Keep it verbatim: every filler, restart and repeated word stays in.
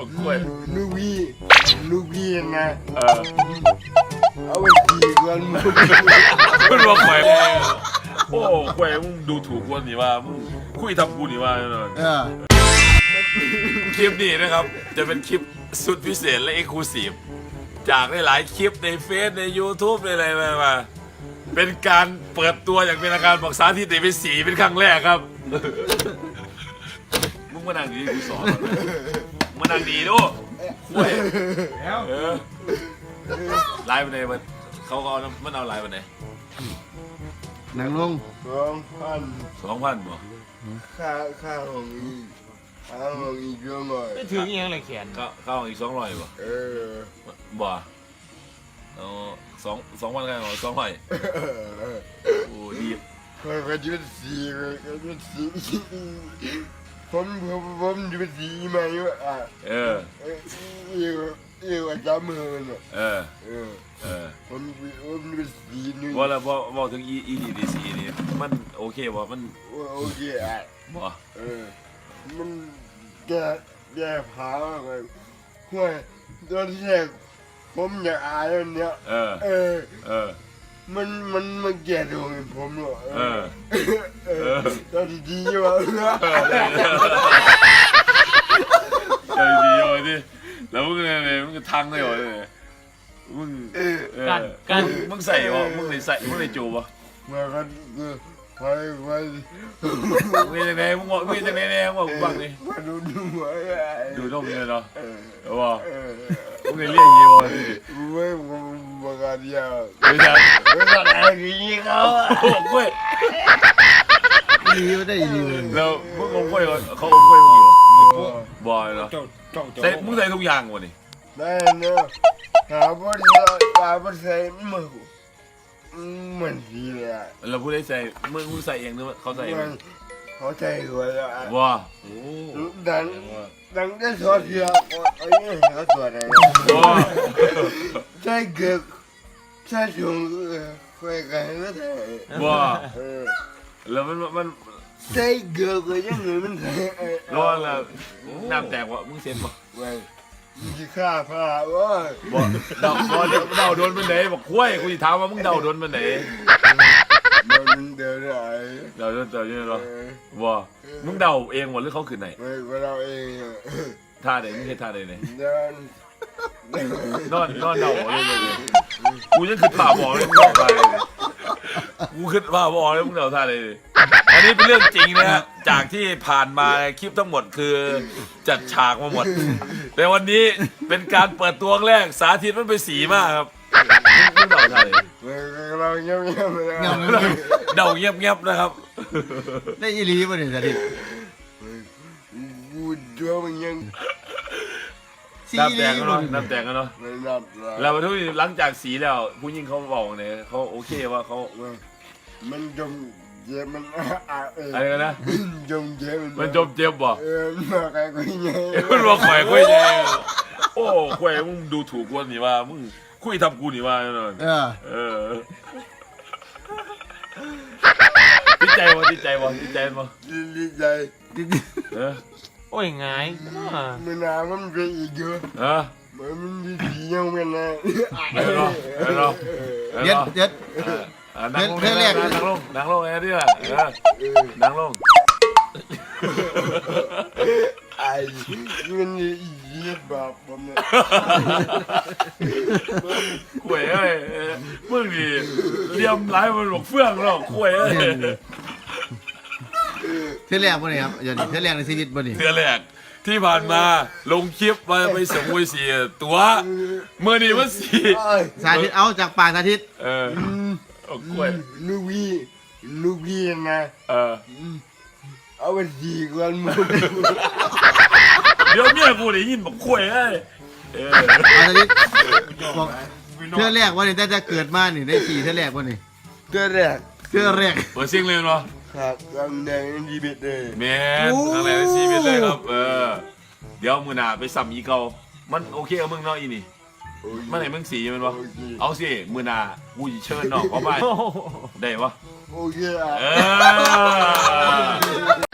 กล้วยลูกพี่ลูกพี่นะเออเอาไปทีกันมึงคุณว่าแขวงโอ้แขวงมึงดูถูกคนนี่ว่ามึงคุยทำกูนี่ว่าเนอะเออคลิปนี้นะครับจะเป็นคลิปสุดพิเศษและเอ็กซ์คลูซีฟจากหลายๆคลิปในเฟซใน YouTube ในอะไรมามาเป็นการเปิดตัวอย่างเป็นทางการบอกสาธิตเป็นสีเป็นครั้งแรกครับมึงมานั่งดีกูสอนมานั่งดีดูคุยเออไลฟ์วันไหนมันเขาเอามันเอาไลฟ์วันไหนหนังลงสองพันสองพันบ่ค่าค่าของอีกค่าของอีกเยอะหน่อยไม่ถึงยังเลยแขนก็เข้าอีกสองร้อยบ่เออบ่เอาสองสองพันกันสองร้อยโอ้ดีคนก็จะเป็นสีก็จะเป็นสีผมผมผมจะเป็นสีมาอยู่อ่ะเออเอออีกอีกว่าจับมือเนี่ยเออเออเออผมผมจะเป็นสีนึงว่าแล้วว่าว่าถึงอีอีดีดีซีนี่มันโอเคบ่มันโอเคอ่ะบ่เออมันแก่แก่ผาเลยห่วยตอนแรกผมอยากอายอันเนี้ยเออเออเออมันมันมันแก่ดวงผมหรอเออเออตอนดีๆวะเออเออดีโอ้ยดิแล้วมึงไงมึงทางได้บ่เนี่ยมึงเออกันกันมึงใส่บ่มึงได้ใส่มึงได้จูบ่มากันคือไปไปมึงยังไงมึงบอกมึงยังไงเนี่ยมึงบอกกูบ้างดิมาดูดูไว้ดูนมเนี่ยเนาะเออเออบ่เออมึงเรียกยี่บ่ดิไม่ผมบอกกันยาวไม่ใช่ไม่ต้องอะไรนี้เขาโอ้กล้วยดีไม่ได้ดีเลยแล้วมึงอมกล้วยเขาอมกล้วยมึงอยู่บ่อยเนาะเจ้าเจ้าเจ้าใส่มึงใส่ทุกอย่างวะนี่ได้เนาะหาบริษัทหาบริษัทมือเหมือนทีเลยอ่ะแล้วผู้ใดใส่มึงมึงใส่เองหรือเขาใส่เองมันเขาใจหัวแล้วอ่ะว้าโอ้ดังดังได้สอดเสียไอ้เนี่ยเขาตัวไหนว้าใช่เกิดใช่ชงคุยกันไม่ได้ว้าเออแล้วมันมันใช่เกิดก็ยังไงมันไร้อนแล้วน้ำแตกวะมึงเซ็นบ่ว้ยมึงจะฆ่าพระว่าบ่เดาบ่เดาเดาโดนมันไหนบอกคุ้ยกูจะถามว่ามึงเดาโดนมันไหนมันเดินได้เดาโดนเดาเยอะเหรอว้ามึงเดาเองหมดหรือเขาขึ้นไหนไม่ก็เราเองอ่ะท่าไหนมึงเฮ็ดท่าไหนไหนเดินนอนนอนเดาเลยเลยกูยังขึ้นผ่าบอกเลยมึงเดาท่าเลยกูขึ้นผ่าบอกเลยมึงเดาท่าเลยอันนี้เป็นเรื่องจริงนะฮะจากที่ผ่านมาคลิปทั้งหมดคือจัดฉากมาหมด แต่วันนี้เป็นการเปิดตัวแรกสาธิตมันไปสีมากครับมึงเดาท่าเลยเราเงียบเงียบๆไปแล้วเงาเดาเงียบๆนะครับได้อีหลีป่ะเนี่ยสาธิตกูเชื่อมันยังสีน้ำอีหแดลีงกันป่ะเนาะเนี่ยน้ำแดงกันเนาะไม่รับแล้วทุกทีหลังจากสีแล้วผู้หญิงเขาบอกเนี่ยเขาโอเคว่าเขามันจมเจ็บมันอ่ะเอออะไรกันนะจมเจ็บมันจมเจ็บบ่เออมาใครก็ยังมันบอกข่อยคุยไงโอ้ข่อยมึงดูถูกกูนี่ว่ามึงคุยทำกูนี่ว่าแน่นอนเออเออติดใจบ่ติดใจบ่ติดใจบ่ดีใจเออโอ้ยไงมันน้ำมันเป็นอีกเยอะเออมันดียังเป็นนะเออเนาะเออเนาะเออเย็ดเนาะเย็ดเออนั่งลงเพื่อนแรกนั่งลงนั่งลงไอ้นี่ล่ะเออนั่งลงไอ้มันยีบแบบผมเนี่ยข่วยเอ้ยมึงนี่เลียมไล่มันบอกเฟื่องหรอกข่วยเอ้ยเท่าแรกป่ะเนี่ยครับอย่างนี้เท่าแรกในชีวิตป่ะเนี่ยเทือแรกที่ผ่านมาลงคลิปมาไปส่งมวยเสียตัวเมื่อนี้มันสี่สาธิตเอาจากปากสาธิตเออเอากล้วยลูกพี่ลูกพี่นะเออเอาไปสีกันมึงเดี๋ยวเมียกูได้ยินบอกกล้วยเอ้ยเออเอาสาธิตบอกเท่าแรกว่าเนี่ยแต่จะเกิดมานี่ได้สี่เท่าแรกป่ะเนี่ยเกิดแรกเท่าแรกเปิดซิงเลยเนาะครับกำแดงดีเบ็ดเลยแมนทางไหนไปซีเมนเลยครับเออเดี๋ยวมือหน้าไปสัมอีเกามันโอเคกับมึงเนาะอีนี่มันไหนมึงสีมันวะเอาสิมือหน้ากูสิเชิญน้องเขาไปได้ปะโอเคอ่ะเออ